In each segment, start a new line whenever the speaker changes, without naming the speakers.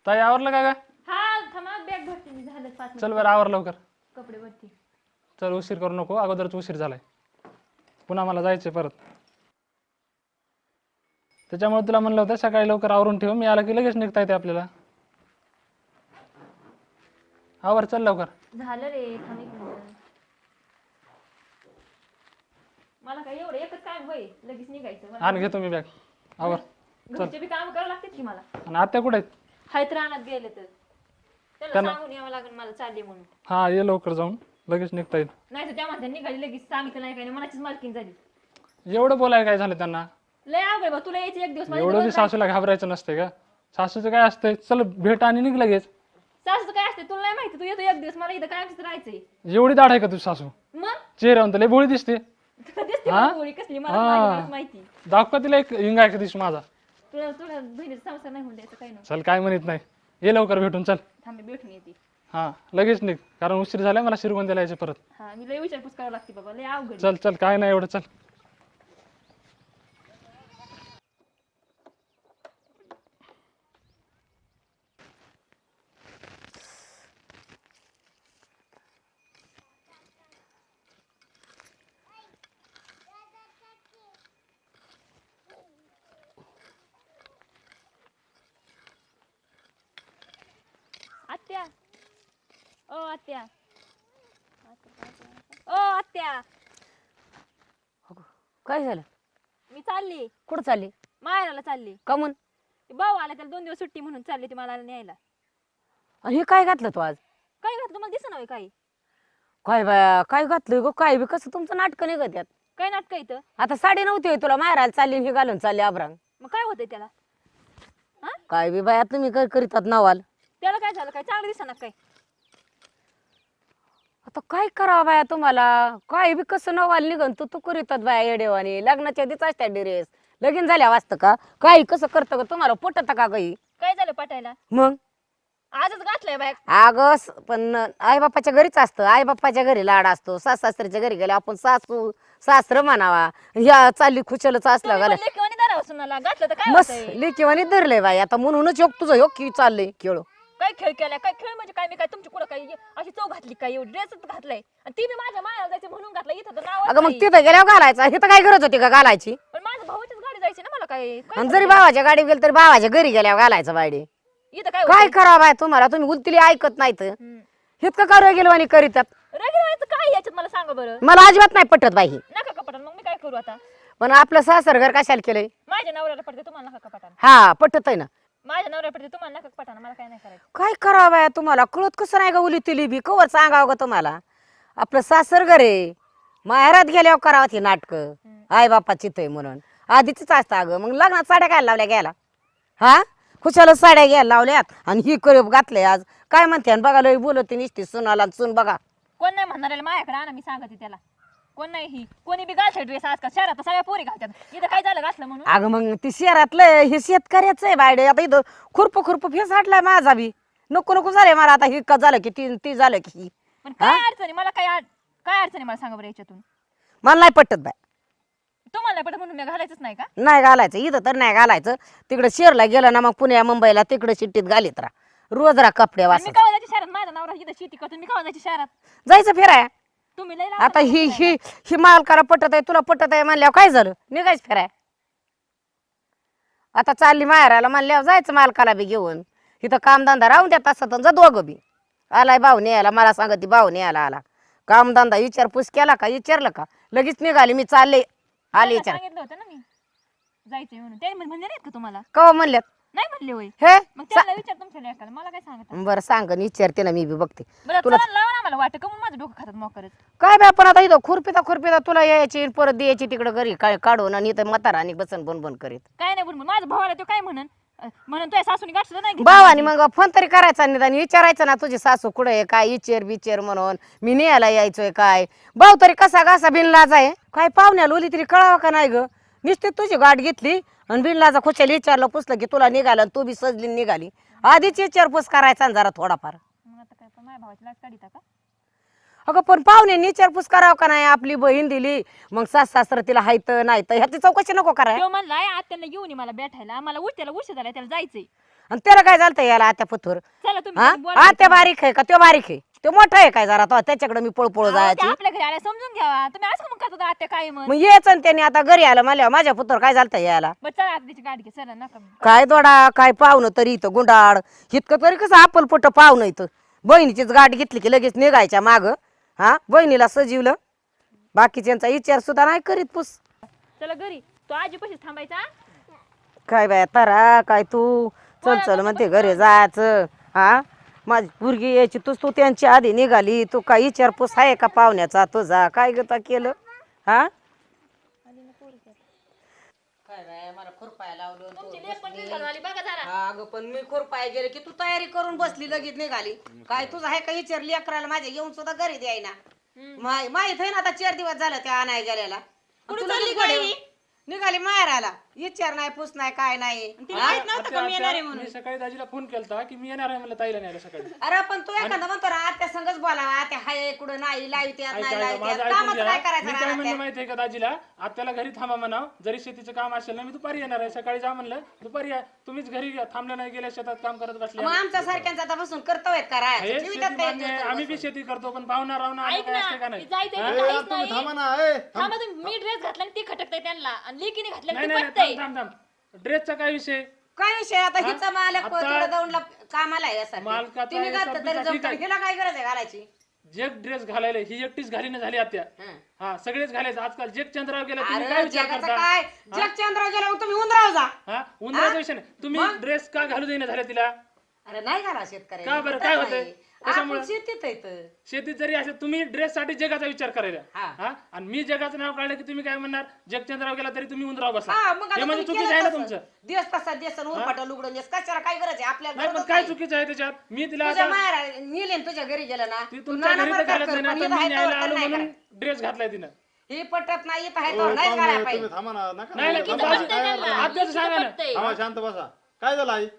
ताई आवरलं का ग?
हा थांबा बॅग भरते मी झालं 5
चल बरं आवर लवकर.
कपडे भरते.
चल उशीर करू नको, अगोदरच उशीर झालाय. पुन्हा मला जायचंय परत. त्याच्यामुळे तुला म्हणलं होतं सकाळी लवकर आवरून ठेव, मी आला की लगेच निघता येते आपल्याला. आवर चल लवकर.
झालं रे थांब एक मिनिट. मला काय एवढं एकच काम होय लगेच निघायचं मला.
आण घेतो मी बॅग. आवर.
घरचे बी काम करावं लागतात की मला.
आणि आत्या कुठे आहेत?
हायत रानात गेले तर त्याला सांगून यावं लागेल मला चालले म्हणून.
हा ये लवकर जाऊन लगेच निघता येईल.
नाही तर त्या म्हणतात निघाली लगेच सांगितलं नाही काही नाही मनाचीच मालकीन झाली.
एवढं बोलायला काय झालं त्यांना?
लय अवघड बा तुला यायचं एक दिवस माझ्या
एवढं
इथं
बी
बस राहायचं.
सासूला घाबरायचं नसते का? सासूचं काय असतंय, चल भेट आणि निघ लगेच.
सासूचं काय असते तुला नाही माहिती तू येतो एक दिवस मला इथं कायमच राहायचंय.
एवढी दाढ आहे का तुझी सासू?
मग
चेहऱ्यावर तर लय भोळी दिसते.
तुला दिसते
हा?
का गोळी कसली मला मलाच माहिती.
दाखवा तिला एक हिंगा एक दिवस माझा.
तुला तुला बहिणीचा संसार नाही होऊन द्यायचं काही नाही.
चल काय म्हणत नाही, ये लवकर भेटून चल.
थांबे भेटून येते.
हा लगेच निघ, कारण उशीर झालाय मला शिरगोंद्याला यायचं परत.
हा मी लय विचारपूस करावं लागते बाबा लय अवघड आहे.
चल चल काय नाही एवढं, चल.
आत्या ओ आत्या ओ आत्या
काय झालं?
मी चालली
कुठं चालली?
माहेराला चालली.
का म्हण?
ते भाऊ आला त्याला 2 दिवस सुट्टी म्हणून चालली ती मला न्यायला.
आणि हे काय घातलं तू आज?
काय घातलं मला दिसत नाही काही.
काय बाया काय घातलं ग? काय बी कसं तुमचं नाटक निघत यात?
काय नाटक इथं.
आता साडी नव्हती होय तुला मारायला चालली आणि हे घालून चालली आबरांग.
मग काय होतंय त्याला. हा
काय बी बाया तुम्ही काय करीतात नवाल.
त्याला काय झालं काय चांगलं दिसना काय.
आता काय करावं बाया तुम्हाला? काय बी कसं नवाल निघन तू तू करीतात बाया येडेवानी. लग्नाच्या आधीच असत्या ड्रेस लगीन झाल्या वाजतं का? काय कसं करतं का? तुम्हाला पटत का काही?
काय झालं पटायला.
मग
आजच घातलंय बाय.
अगं पण आई बाप्पाच्या घरीच असतं. आई बाप्पाच्या घरी लाड असतो. सासऱ्याच्या घरी गेले आपण सासू सासरं म्हणावा. या चालली खुशालच असला घाला
लेकीवानी दारावर सुनाला घातलं तर काय
मस्त
होतंय.
लेकीवानी धरलंय बाई. आता म्हणूनच योग तुझं योग की चाललंय खेळ.
काय खेळ केलाय काय खेळ म्हणजे काय मी काय तुमची कुठं काय अशी चव घातली काय एवढी ड्रेसच घातलाय आणि ती बी माझ्या मायाला जायचं म्हणून घातलं इथं तर नाव
अगं मग तिथं गेल्यावर घालायचा. इथं काय गरज होती का घालायची?
पण माझ्या भावाचीच गाडी जायची ना मला काय
आणि जरी भावाच्या गाडीत गेलं तरी भावाच्या घरी गेल्यावर घालायचं बायडे.
इथं काय
काय करावं बाय तुम्हाला? तुम्ही उलतीली ऐकत नाहीत. इतकं का गेलवानी करीतात?
रगडवायचं काय याच्यात मला सांगा बरं.
मला अजिबात नाही पटत बाई.
नका कपाटात मग मी काय करू आता.
पण आपलं सासर घर कशाला केलंय?
माझ्या नवऱ्याला पडते तुम्हाला नका कपाटानं.
हा पटत आहे ना.
माझ्या नवऱ्याला पडते तुम्हाला नका कपाटानं मला काय नाही करायचं.
काय करावं बाया तुम्हाला? कळत कसं नाही का उलतीली बी? कवर सांगावं का तुम्हाला? आपलं सासर घर आहे. माहेरात गेल्यावर करावं ती नाटक. आई बापा चितय म्हणून आधीच असतं. अगं मग लग्नात साड्या काय लावल्या गेला? हा खुशाला साड्या घ्यायला लावल्यात आणि ही कर घातलंय आज. काय म्हणते बघा लय बोलत निसती सुनाला सून बघा.
कोण नाही म्हणणार माझ्याकडे आणा मी सांगते त्याला. कोण नाही ही कोणी बी घालते ड्रेस आजकाल शहरात तर सगळ्या पोरी घालतात. इथं काय झालं घातलं म्हणून.
अगं मग ती शहरातलं हे शेतकऱ्याचं आहे बायडे. आता इथं खुरप फेस हटलाय माझा बी. नको नको झालंय मला आता. ही का झालं की ती झालं की
पण काय अडचणी मला काय अडचणी मला सांगा बरं याच्यातून.
मला नाही पटत बाय.
तुम्हाला नाही पटत म्हणून मी घालायचंच नाही का.
नाही घालायचं इथं तर नाही घालायचं. तिकडे शहरला गेलं ना मग पुण्या मुंबईला तिकडे शिट्टीत घालीत राहा. रोज राहा कपडे
मी
वास
कवा जायची शहरात माझा नवरा इथं शेती करतो मी कवा जायची शहरात.
जायचं फिराय.
तुम्ही लय
आता ही मालकाला पटत आहे तुला पटत आहे म्हणल्यावर काय झालं? निघायचं फिराय. आता चालली माहेराला म्हणल्यावर जायचं मालकाला बी घेऊन. इथं कामधंदा राहून द्या तसं तर जा दोघं बी. आलाय भाऊ न्यायला मला सांगत भाऊ न्यायला आला. कामधंदा विचारपूस केला का विचारलं का लगेच निघाली मी चालले. आले विचार
सांगितलं होतं ना मी जायचंय म्हणून ते म्हणले नाहीत का तुम्हाला.
कवा म्हणल्यात
नाही म्हणले होय.
हे
मग त्याला विचार तुमच्या लेकाला मला काय सांगत.
बरं सांग विचारते ना मी बी बघते.
बरं
तुला
चला लावा ना मला वाटतं का माझं डोकं खातात मोकरच.
काय बे आपण आता इथं खुरपीता तुला यायची परत द्यायची तिकडं घरी काय काढून आणि इथं म्हातारा आणि बसन बन करीत.
काय नाही बोल माझं भावाला तो काय म्हणून तुझ्या सासूनी गाठ सुद्धा नाही घेतली.
भावानी मग फोन तरी करायचा निदान विचारायचं ना तुझी सासू कुठे आहे काय इचेर बिचेर म्हणून मी न्यायला यायचोय काय. भाऊ तरी कसा घासा बिनलाज आहे काय पाहुण्याला ओली तरी कळावं का नाही ग. नुसती तुझी गाठ घेतली आणि बिनलाजा खुशाला विचारलं पुसलं की तुला निघालं तू बी सजली निघाली. आधीच विचारपूस करायचा ना जरा थोडाफार.
मग आता काय पण माझ्या भावाची लाच काढीता का.
अगं पण पाहुण्यांनी विचारपूस करावं का नाही. आपली बहीण दिली मग सासरा तिला हायत नाही तर ह्याची चौकशी नको कराय.
तो म्हणलाय आत्याला घेऊन ये मला भेटायला आम्हाला त्याला उशीर झाला त्याला जायचंय.
आणि त्याला काय झालं याला आत्या पुथूर
चला तुम्ही
हा
कधी बोला.
आत्या बारीक आहे का तो बारीक आहे तो मोठा आहे काय जरा तो त्याच्याकडे मी पळपळ
अहो,
जायची
ते आपल्या घरी आल्या समजून घ्यावा तुम्ही असं मग करता आत्या काय मग
मग यायचं आणि त्याने आता घरी आलं मला माझ्या पुत्र काय झालं यायला
बरं चला आता तिची गाडी घे चला नका
काय दोडा काय पाहुणं तरी इथं गुंडाळ इतकं तरी कसं आपल पोट पाहुणं इथं बहिणीचीच गाठ घेतली की लगेच निघायच्या माग हा बहिणीला सजीवलं बाकीच्यांचा विचार सुद्धा नाही करीत पुस
चला घरी तो आजी पशीच थांबायचा
काय बाया तारा काय तू चल चल म्हणते घरी जायचं हा माझी पोरगी यायची तू त्यांची आधी निघाली तू काय विचारपूस आहे का पाहुण्याचा तुझा काय गता केलं हा काय बाया मला खुरपाय लावलं
तुमची लेक पण निघाली आली बघा जरा
हा अगं पण मी खुरपाय गेले की तू तयारी करून बसली लगेच निघाली काय तुझं आहे का विचारली अकराला माझ्या येऊन सुद्धा घरी द्यायना माहित आहे ना आता 4 दिवस झालं त्या आणाय गेल्याला
कुठं
तुला
चालली
कसं
गाडी?
कळलं? निघाली माहेराला विचार नाही पूस नाही काय नाही
तिला माहित नव्हतं का मी येणार आहे
मी
म्हणून
सकाळी दाजीला फोन केलता की मी येणार आहे मला ताईला न्यायला सकाळी
अरे पण तू एखादा म्हणतो ना आत्या संगच बोलावा आत्या हाय कुठं नाही लाईत यात
ऐका,
नाही
ऐका,
लाईत
माझं
यात
ऐकून
कामाचं
घ्या.
काय करायचं
मी
ना
काय म्हणलं
आत्या?
माहितीये का दाजीला आत्याला घरी थांबा म्हणाव जरी शेतीचं काम असेल ना मी दुपारी येणार आहे सकाळी जा म्हणलं दुपारी या तुम्हीच घरी थांबलं नाही गेल्या शेतात काम करत बसले
मग आमच्या सारख्यांचा आता बसून कर्तव्य का
हे
राहायचं
शेती
जीवितात काय
मान्य आहे,
करतो
आम्ही बी शेती करतो पण पाहुणा राहणं
ऐक
काय असते का
ना
नाही
जायचंय
हा?
तर काहीच
तुम्ही
नाही
थांबा ना ए
थांबा तुम्ही मी ड्रेस घातला आणि ती खटकताय त्यांना आणि लेकीने घातलं
नाही
आणि
नाही
ती पटतंय
थांब थांब थांब ड्रेसचा काय विषय
काय विषय आता हिचा मालक
आता-
तिकडे जाऊन कामाला आहे यासाठी
मालकाचा
तिने घातलं
हिसाब
तरी
बिसाब ठीक
जमतं
आहे.
हिला काय गरज आहे घालायची
जग ड्रेस घालायला ही एकटीच घालीनं झाली आत्या
हं.
हा सगळेच घालायचं आजकाल जग चंद्रावर गेला तुम्ही काय
अरे
विचार
जगाचं
करता
काय जगचंद्राव गेला तुम्ही उंदराव जा
हा उन्हाळ्याचा विषय नाही तुम्ही ड्रेस का घालू देईना झाल्या तिला
अरे नाही घाला शेतकरी
का बरं काय होतंय कशामुळे
शेतीत आहे तर.
शेतीत जरी असेल तुम्ही ड्रेस साठी जगाचा विचार करायला
हा.
हा आणि मी जगाचं नाव काढलं की तुम्ही काय म्हणणार जगचंद्राव गेला तरी तुम्ही उंदराव बसा
हा, मग आता
हे म्हणजे
तुम्ही
चुकीचं आहे ना
केलं
तुमचं
तसं. दिवस तसा दिवस उरपाटा लुगडून दिवस कशाला काय गरज आहे आपल्याला
नाही पण
गरजच
काय
नाही.
चुकीचं आहे त्याच्यात मी तिला
तुझ्या
आता
माहेर नेले न तुझ्या घरी गेलं ना
ती
तू
तुमच्या
नाना
घरी तर
प्रकार
घालत
कर,
नाही ना
पण
आता
इथं
मी
आहे
न्यायला
तर
आलो
नाही
म्हणून
करायचं.
ड्रेस घातलाय तिनं
ही पटत नाही इथं आहे
ओ,
तर नाहीच
पाहुणे,
घालायला पाहिजे
तुम्ही थांबा ना नका
नाही,
ना,
नाही,
थांबा.
नाही,
काय
नाही,
झालं?
आत्याचं सांगा ना.
पटतंय.
थांबा, शांत बसा काय झालं आई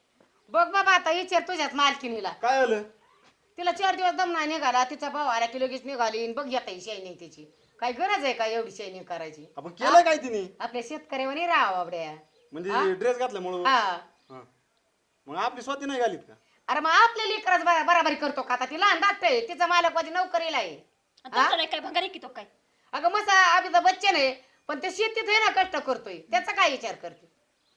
बघ बाबा आता विचार तुझ्याच मालकीनीला
काय झालं
तिला 4 दिवस दम नाही निघाला तिचा भाऊ आला की लगेच निघाली आणि बघ येता शायनिंग तिची काय गरज आहे का एवढी शायनिंग करायची
आपण केलं काय तिने
आपल्या शेतकऱ्यावर राहावं आपल्या
म्हणजे ड्रेस घातल्यामुळं
हा
हा. मग आपली स्वती नाही घालीत का
अरे मग आपल्या लेकरच बराबरी करतो का आता ती लहान धाकटं आहे तिचा मालक माझी नोकरीला आहे
आणि तुमचं नाही काय भंगारी की तो काय
अगं मसा अभिता बच्चन आहे पण ते शेतीत आहे ना कष्ट करतोय त्याचा काय विचार करते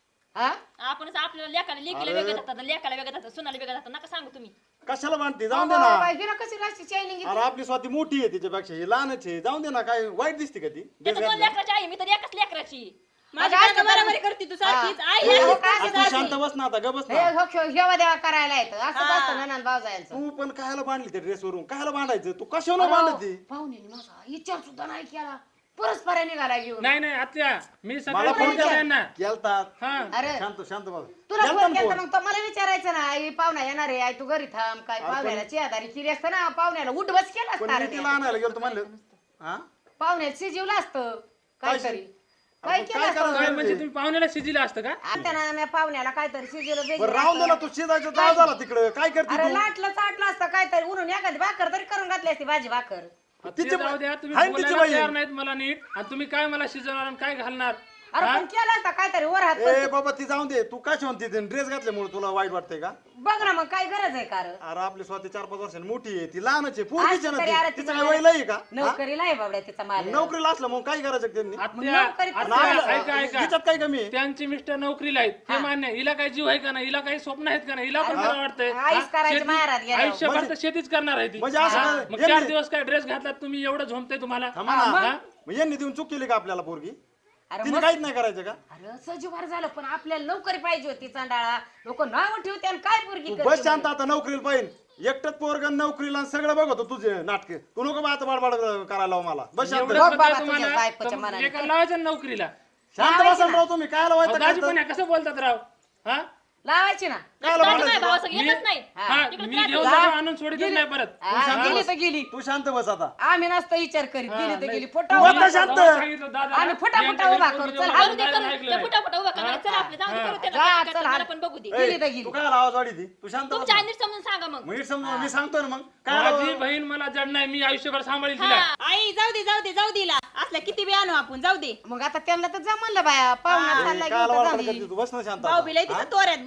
हा
आपणच आपल्याला लेकाला लेकीला वेगळं जातात लेकाला वेगळं जातात सुनाला वेगळं जातात नका सांगू तुम्ही
कशाला बांधते जाऊन दे ना
हिला कशी राशी शायनिंग
अरे आपली स्वाती मोठी आहे तिच्यापेक्षा ही लहानच आहे जाऊन दे ना काय वाईट दिसते का ती ड्रेस
त्याचं 2
घातल्या
लेकराची आई मी तर एकच लेकराची
माझी
आज
बायको
तर-
बरोबरी करते तू सारखीच
हा.
आई
हे
आहे.
काय
तू शांत बस ना आता ग बस ना
हेवा देवा करायला येतं असं असतं ननंद भावजायांचं
तू पण कायला बांधली त्या ड्रेस वरून कायला बांधायचं तू कशाला बांधली
पाहुणे माझा विचार सुद्धा नाही केला परस्पर निघाला घेऊन
नाही नाही आत्या मी
मला
सकाळी
फोन
फोन केला
केला
यांना
केलतात
हा
अरे
शांत शांत बघ
तुला
केलता
फोन
ना
केला
फोन.
मग तो मला विचारायचं ना आई पाहुणा येणार आहे आई तू घरी थांब काय पाहुण्याला चेहदारी केली असतं ना पाहुण्याला उठ बस केला
पण
असता
मी
रे.
तिला आणायला गेलो म्हणलं हा
पाहुण्याला शिजवलं असतं काहीतरी काय
आपण
केलं
काय
असतं
करायचं?
काय म्हणजे तुम्ही पाहुण्याला शिजिला असतं का
आता ना मी पाहुण्याला काहीतरी शिजवलं
बरं
वेगळं
राहून दे ना तू शिजायचं जाळ झाला तिकडं काय करते
अरे
तू
लाटलं चाटलं असतं काहीतरी उन्हून एखादी भाकर तरी करून घातली असती भाजी भाकर
ते जाऊ द्या तुम्ही
हाय ना तिची
बोलायला
बाई.
तयार नाहीत मला नीट आणि तुम्ही काय मला शिजवणार आणि काय घालणार
अरे पण केलं असतं काहीतरी वर हात
ए बाबा ती जाऊन दे तू काय म्हणते ड्रेस घातल्यामुळे तुला वाईट वाटतंय का
बघ ना मग काय गरज आहे कार
अरे आपली स्वतः 4-5 वर्षांनी मोठी आहे ती लहानच आहे पोरगीच आहे
तरी अरे
ना ती. तिचं काय
तिचा
वय लई आहे का हा?
नोकरीला आहे बाबड्या तिचा माल
नोकरीला असलं मग काय करायचं त्यांनी
आत्या
नोकरीत
आणि
आत्या,
आपलं-
ऐका ऐका
हिच्यात काय कमी आहे
त्यांची मिस्टर नोकरीला आहेत ते मान्य आहे. हिला काही जीव आहे का नाही हिला काही स्वप्न आहेत का नाही हिला पण मला वाटतंय
आईस
हा?
करायची
शेती-
माहेरात गेल्यावर.
आयुष्यभर तर शेतीच करणार आहे ती
म्हणजे असं
हा?
काय-
मग
यांनी-
4 दिवस काय ड्रेस घातलात तुम्ही एवढं झोमतंय तुम्हाला
थांबा ना.
हा?
मग यांनी देऊन चूक केली का आपल्याला पोरगी
अरे
तिने
मग-
काहीच नाही करायचं का
अरे सजीवार झालं पण आपल्याला नोकरी पाहिजे होती चांडाळा लोक नाव ठेवते आणि काय पोरगी
तू
करते
बस शांत
म्हणे.
आता नोकरीला पाहिजे एकटच पोरगण नोकरीला आणि सगळं बघतो तुझे नाटक तू नको बा आता बाडबाड करायला लाव मला बस शांत
एवढंच
बघ
होतंय
बाबा
तुम्हाला
तुझ्या बायकोच्या
तर
मनाने.
एका लावायचं ना नोकरीला
शांत बसा राव तुम्ही काय
अहो, दाजी
लावायचं
पण कसं बोलतात राव हा
लावायची ना
काय
दाजी
लावायचं
माझ्या भावासंग येतच नाही
हा,
तिकडे
मी
राहते.
घेऊन जातो, आणून सोडितच नाही परत
हा, गेली तर गेली
तू शांत बस आता
आम्ही नसतं विचार करीत गेली तर गेली फोटो
तू आता शांत.
सांगितलं दादा
आणि फटाफटा उभा करू. चल,
करू दे, करू दे. ते फटाफट उभा करणार. चला आपले जाऊ दे, करू त्याला.
जा,
काय
चल,
करतात
हात.
मला पण बघू दे
गेली तर गेली
तू काय आवाज वाढी ती तू शांत बस
तुमच्या आईने समजून सांगा मग
मी समजून मी सांगतो ना मग काय
माझी
लावा-
बहीण मला जड नाही मी आयुष्यभर सांभाळील तिला
आई जाऊ दे असल्या किती बी आणू आपण जाऊ दे
मग आता त्यांना तर जमलं बाया पाहुणा
ए,
चालला
काय
घेऊन तर
लावाड
झाली.
करते तू बस ना शांत
भाऊ
आता.
बिलाई तिथं तोऱ्यात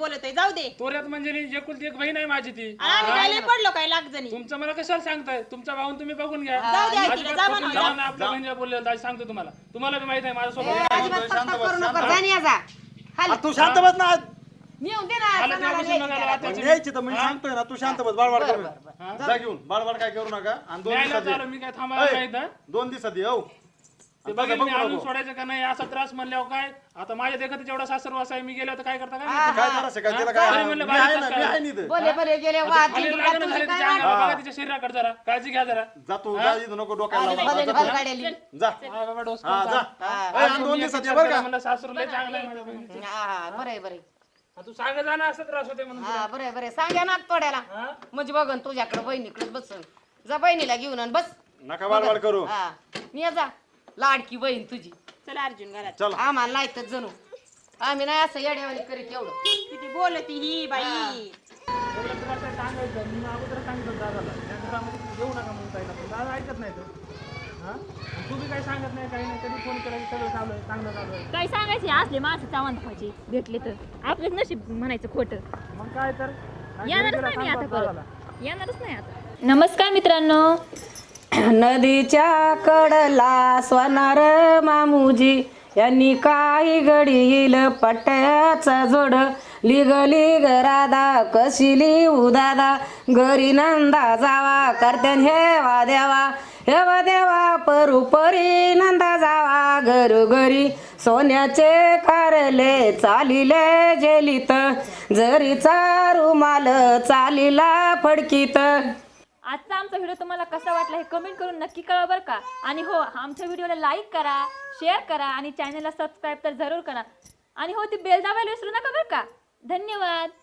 बोलतोय जाऊ दे
तोऱ्यात म्हणजे नी एकुलती एक बहीण आहे माझी ती
आणि आम्ही काय लय पडलो काय लाग जणी
तुमचं मला कशाला सांगताय तुमच्या भाऊन तुम्ही बघून घ्या
जाऊ द्या तिला,
अजिबात
जा
पकडून
म्हणा.
जाऊ नका आपल्या बहिणीला बोललेलं आज सांगतो तुम्हाला तुम्हाला बी माहित आहे माझ्यासोबत
अजिबात पक्का करू नको जा आणि ये जा खाली
तू शांत बस ना
नेऊन दे ना
आलं
सणाला
तेव्हापासून
न्यायची
बघायला
त्याला.
त्याची-
न्यायची तर मी सांगतोय ना तू शांत बस बाळबाळ करू नका. जा घेऊन बाळबाळ काय करू नका आणि 2
न्यायला
दिवसात
चालू मी काय थांबायला माहित ना
2 दिवसात ये हो
ते
आणि
बघेल
तसं
मी
बघू
आणून
नको.
सोडायचं का नाही असा त्रास म्हणल्यावर काय आता माझ्या देखत जेवढा सासरवास आहे मी गेलो तर काय करता काय माहिती?
काय करायचं काय तिला
तरी
काय
म्हणलं
मी आहे
बारीक
ना मी
काय?
आहे नी इथं.
बोले बोले गेले वाद
खाली
जिंकला,
लागणं
तुझं
झालं
काय
तिच्या
वाद?
अंगावर बघा तिच्या शरीराकडे जरा काळजी घ्या जरा
जा तू जा इथं नको डोक्याला
आले
लावू.
भले
जा,
भले
जा.
गाड्याली.
जा
हा बाबा डोस
हा जा
हा.
ए, आणि 2 दिवसात ये बरं का
म्हणलं सासरू लय चांगलं आहे माझ्या बहिणीचं.
हा हा बरे बरे
हा, तू सांग जा ना असं त्रास होते म्हणून
हा बरे बरे सांगा ना तोड्याला
हा?
म्हणजे बघन तुझ्याकडे बहिणीकडे बसन जा बहिणीला घेऊन आण, बस
नका बाळबाळ करू
हा ये जा लाडकी बहीण तुझी
चला अर्जुन घरात
चल
आम्हाला नाही तर जणू आम्ही नाही असं येड्यावानी करीत एवढं
किती बोलती ही बाई
एवढं त्रास आहे सांगायचं मी अगोदर सांगितलं दादाला त्या घरामध्ये येऊ नका म्हणून ताईला पण दादा ऐकत नाही तो हा आणि तू बी काही सांगत नाही काही नाही कधी फोन केला की सगळं चालू आहे चांगलं चालू आहे
काय सांगायचे असले माणसं चावण पाहिजे भेटले तर आपलंच नशीब म्हणायचं खोटं
मग काय तर
येणारच नाही मी आता परत येणारच नाही आता नमस्कार मित्रांनो
नदीच्या कडला स्वनार मामुजी यांनी काही घडील पट्ट्याचा जोड लिग लिग राधा कशी लिहू दादा घरी नंदा जावा करत्यान हेवा देवा परी नंदा जावा घरोघरी सोन्याचे कारले चालिले जेलीत जरीचा रुमाल चालीला फडकीत
आजचा आमचा व्हिडिओ तुम्हाला कसा वाटला हे कमेंट करून नक्की कळवा बरं का आणि हो आमच्या व्हिडिओला लाईक करा शेअर करा आणि चॅनलला सबस्क्राईब तर जरूर करा आणि हो ती बेल दाबायला विसरू नका बरं का धन्यवाद.